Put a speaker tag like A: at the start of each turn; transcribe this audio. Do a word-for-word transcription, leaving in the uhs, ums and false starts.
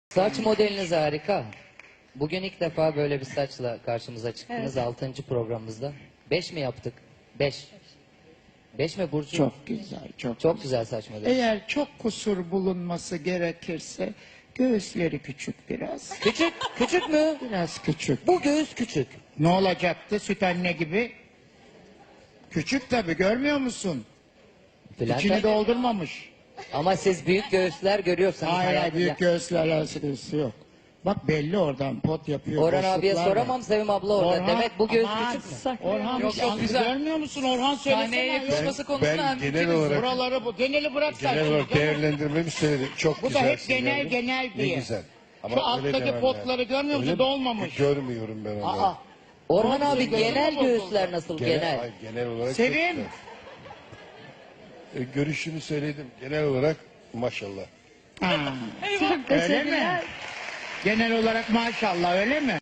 A: Saç modeliniz harika. Bugün ilk defa böyle bir saçla karşımıza çıktınız.
B: Evet.
A: Altıncı programımızda. Beş mi yaptık? Beş. Beş mi Burcu?
C: Çok güzel, çok,
A: Çok güzel saç modeli.
C: Eğer çok kusur bulunması gerekirse göğüsleri küçük biraz.
A: Küçük, küçük mü?
C: Biraz küçük.
A: Bu göğüs küçük.
C: Ne olacaktı süt anne gibi? Küçük tabii, görmüyor musun?
A: Bülent
C: İçini
A: Hanım.
C: doldurmamış.
A: Ama siz büyük göğüsler görüyorsanız.
C: Hayır, hayır,
A: hayatında-
C: büyük göğüslerle alakası yok. Bak belli oradan pot yapıyor.
A: Orhan abiye
C: boşluklar var.
A: soramam, Sevim abla orada.
C: Orhan,
A: Demek bu göğüs
C: aman,
A: küçük mü?
C: Orhan
D: Yok, yok,
C: sen
D: güzel.
C: görmüyor musun? Orhan
D: Sahneye
C: söylesene.
D: yakışması konusunda
E: ben
D: hemfikiriz.
E: genel olarak
C: Buraları bu. Geneli bırak sen.
E: genel
C: şimdi,
E: olarak
C: canım.
E: değerlendirmemi söyledim. Çok
C: Bu da
E: güzel.
C: hep genel genel
E: Ne
C: diye.
E: güzel.
C: Şu
E: öyle
C: alttaki
E: demem
C: potları
E: lazım.
C: görmüyor musun?
E: Öyle mi?
C: Dolmamış.
E: Görmüyorum ben onu.
C: Aa,
A: Orhan
C: Olsun,
A: abi
C: gözüm
A: genel
C: bozuldu.
A: göğüsler nasıl genel?
E: Genel, hayır, genel olarak çok
C: Sevim.
E: güzel. E, görüşünü söyledim. Genel olarak maşallah.
C: ha. Öyle mi? Genel olarak maşallah, öyle mi?